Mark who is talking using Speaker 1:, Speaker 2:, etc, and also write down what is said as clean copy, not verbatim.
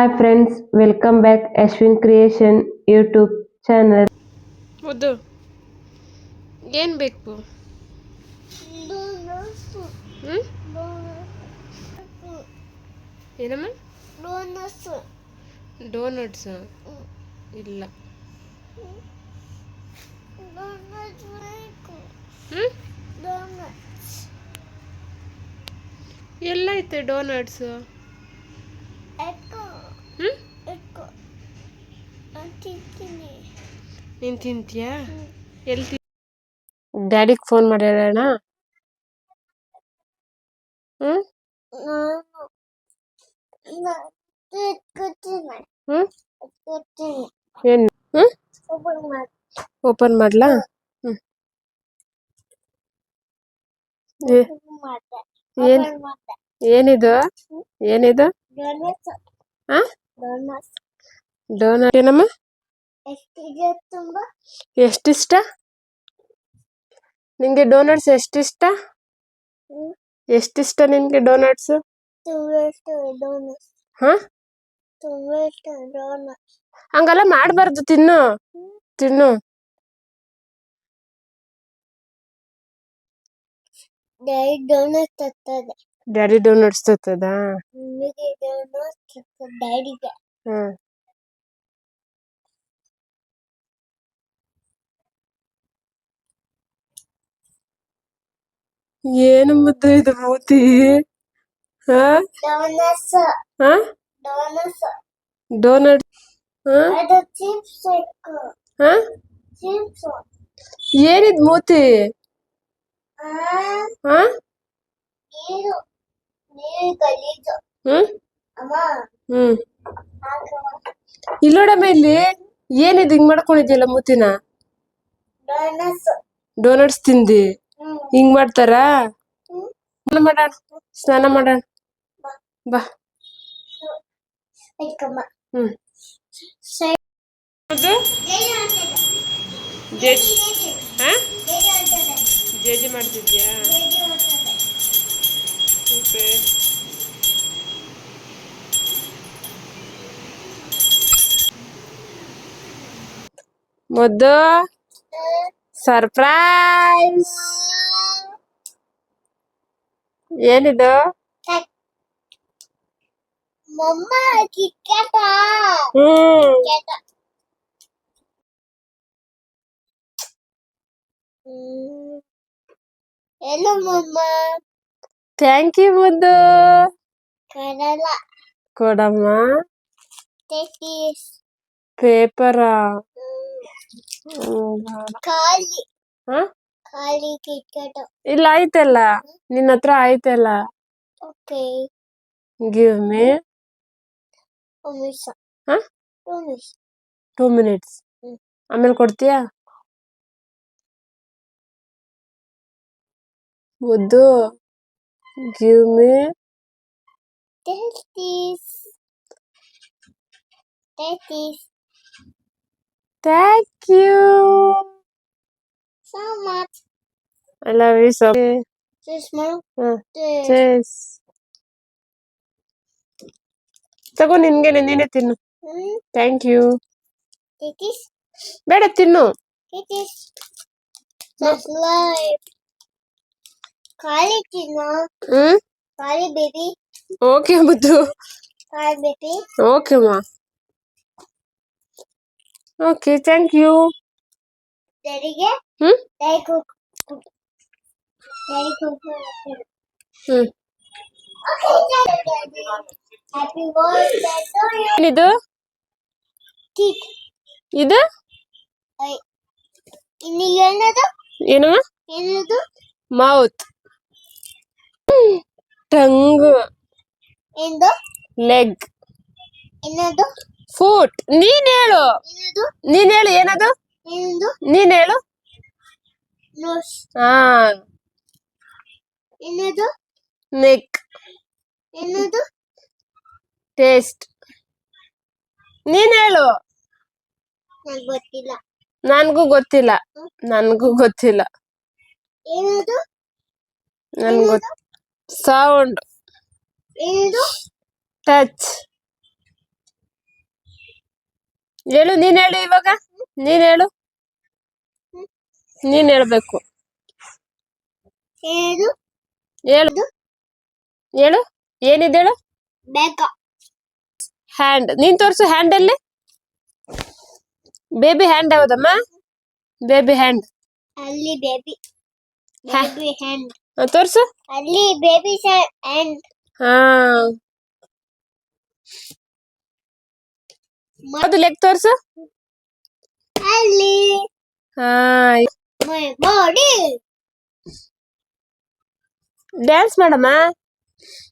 Speaker 1: Hi friends, welcome back Ashwin Creation YouTube channel.
Speaker 2: ಮುದ್ದು ಏನು ಬೇಕು? ಏನಮ್ಮ? ಡೋನಟ್ಸ್ ಇಲ್ಲ. ಎಲ್ಲ ಐತೆ ಡೋನಟ್ಸ್? ನೀನು ತಿಂತೀಯಾ? ಎಲ್ಲಿ ಡ್ಯಾಡಿಗೆ ಫೋನ್ ಮಾಡ್ಯಾರಣ? ಏನು ಓಪನ್ ಮಾಡ್ಲಾ? ಏನಿದು ಏನಿದು? ಡೋನಟ್ ಏನಮ್ಮ? ಎಷ್ಟಿಷ್ಟ ನಿಂಗೆ ಡೋನಟ್ಸ್? ಎಷ್ಟಿಷ್ಟ? ಎಷ್ಟಿಷ್ಟ ನಿನ್ಗೆ ಡೋನಟ್ಸ್? ಹಂಗೆಲ್ಲ ಮಾಡಬಾರ್ದು. ತಿನ್ನು ತಿನ್ನು. ಡ್ಯಾಡಿ ಡೋನಟ್ಸ್ ತತ್ತದ? ಏನು ಮುದ್ದು ಇದು ಮೂತಿ? ಡೋನಟ್ ಏನಿದ್ ಮೂತಿ? ಇಲ್ಲೋಡಮ್ಮ, ಇಲ್ಲಿ ಏನಿದ್ ಹಿಂಗ್ ಮಾಡ್ಕೊಂಡಿದ್ಯಲ್ಲ ಮೂತಿನ? ಡೋನಟ್ಸ್ ತಿಂದಿ ಹಿಂಗ್ ಮಾಡ್ತಾರ? ಮಾಡೋಣ, ಸ್ನಾನ ಮಾಡೋಣ ಬಾ. ಜೇಜಿ ಮಾಡ್ತಿದ್ಯಾ? ಮುದ್ದು ಸರ್ಪ್ರೈಸ್. ಏನಿದು?
Speaker 3: Hello, Mama.
Speaker 2: ಥ್ಯಾಂಕ್ ಯು ಮುದ್ದು.
Speaker 3: Kerala.
Speaker 2: ಕೊಡಮ್ಮ.
Speaker 3: Take this.
Speaker 2: ಪೇಪರಾ?
Speaker 3: Kali. Kali KitKat.
Speaker 2: ಇಲ್ಲ ಆಯ್ತಲ್ಲ, ನಿನ್ನ ಹತ್ರ ಆಯ್ತಲ್ಲ.
Speaker 3: Okay.
Speaker 2: Give me.
Speaker 3: Huh?
Speaker 2: 2 minutes. ಆಮೇಲೆ ಕೊಡ್ತೀಯಾ? ಮುದ್ದು give me.
Speaker 3: Take this. Take this.
Speaker 2: Thank you
Speaker 3: So much.
Speaker 2: I love you so.
Speaker 3: This small.
Speaker 2: Chess ತಗೋ, ನಿನ್ಗೆ ನೀನೇ ತಿನ್ನು. Thank you.
Speaker 3: Take this.
Speaker 2: ಬೇಡ, ತಿನ್ನು.
Speaker 3: Take this. That's life. Kali Tina. Kali baby.
Speaker 2: Okay ಮುದ್ದು.
Speaker 3: Kali baby.
Speaker 2: ಓಕೆ ಮಾ. Okay, thank you.
Speaker 3: Daddy get? Daddy cook. Daddy cook. Okay, Daddy. Happy birthday to you.
Speaker 2: ಏನಿದು?
Speaker 3: Teeth.
Speaker 2: ಇದು
Speaker 3: ಇನ್ನು ಏನದು?
Speaker 2: ಏನು?
Speaker 3: ಏನದು?
Speaker 2: ಮೌತ್. ಟಂಗ್.
Speaker 3: ಎಂದು?
Speaker 2: ಲೆಗ್.
Speaker 3: ಏನದು?
Speaker 2: ಫುಟ್. ನೀನ್ ಹೇಳು.
Speaker 3: ಏನದು?
Speaker 2: ನೀನ್ ಹೇಳು ಏನದು?
Speaker 3: ಏನದು?
Speaker 2: ನೀನ್ ಹೇಳು.
Speaker 3: ನೋಸ್. ಏನದು?
Speaker 2: ನೆಕ್.
Speaker 3: ಏನದು?
Speaker 2: ಟೇಸ್ಟ್. ನೀನ್ ಹೇಳು.
Speaker 3: ನನಗೆ ಗೊತ್ತಿಲ್ಲ.
Speaker 2: ನನ್ಗೂ ಗೊತ್ತಿಲ್ಲ. ನನ್ಗೂ ಗೊತ್ತಿಲ್ಲ.
Speaker 3: ಏನದು?
Speaker 2: ನನ್ಗೂ ಸೌಂಡ್.
Speaker 3: ಏನದು?
Speaker 2: ಟಚ್. ಹೇಳು, ನೀನ್ ಹೇಳು ಇವಾಗ. ನೀನ್ ಹೇಳು, ನೀನ್ ಹೇಳ್ಬೇಕು.
Speaker 3: ಏನದು
Speaker 2: ಹೇಳು ಹೇಳು, ಏನಿದೆ ಹೇಳು.
Speaker 3: ಬೇಗ
Speaker 2: ಹ್ಯಾಂಡ್, ನೀನ್ ತೋರ್ಸು ಹ್ಯಾಂಡ್ ಅಲ್ಲಿ. ಬೇಬಿ ಹ್ಯಾಂಡ್ ಯಾವ್ದಮ್ಮ? ಬೇಬಿ ಹ್ಯಾಂಡ್
Speaker 3: ಅಲ್ಲಿ ಬೇಬಿ
Speaker 2: ಹಾ.
Speaker 3: ಬೇಬಿ ಹ್ಯಾಂಡ್
Speaker 2: ತೋರ್ಸು.
Speaker 3: ಅಲ್ಲಿ ಬೇಬಿ ಹ್ಯಾಂಡ್
Speaker 2: ಹಾ, ಯಾವ್ದು ಲೆಗ್ ತೋರ್ಸು.
Speaker 3: ಅಲ್ಲಿ
Speaker 2: ಹಾ,
Speaker 3: ಮೈ ಬಾಡಿ
Speaker 2: ಡ್ಯಾನ್ಸ್ ಮಾಡಮ್ಮ.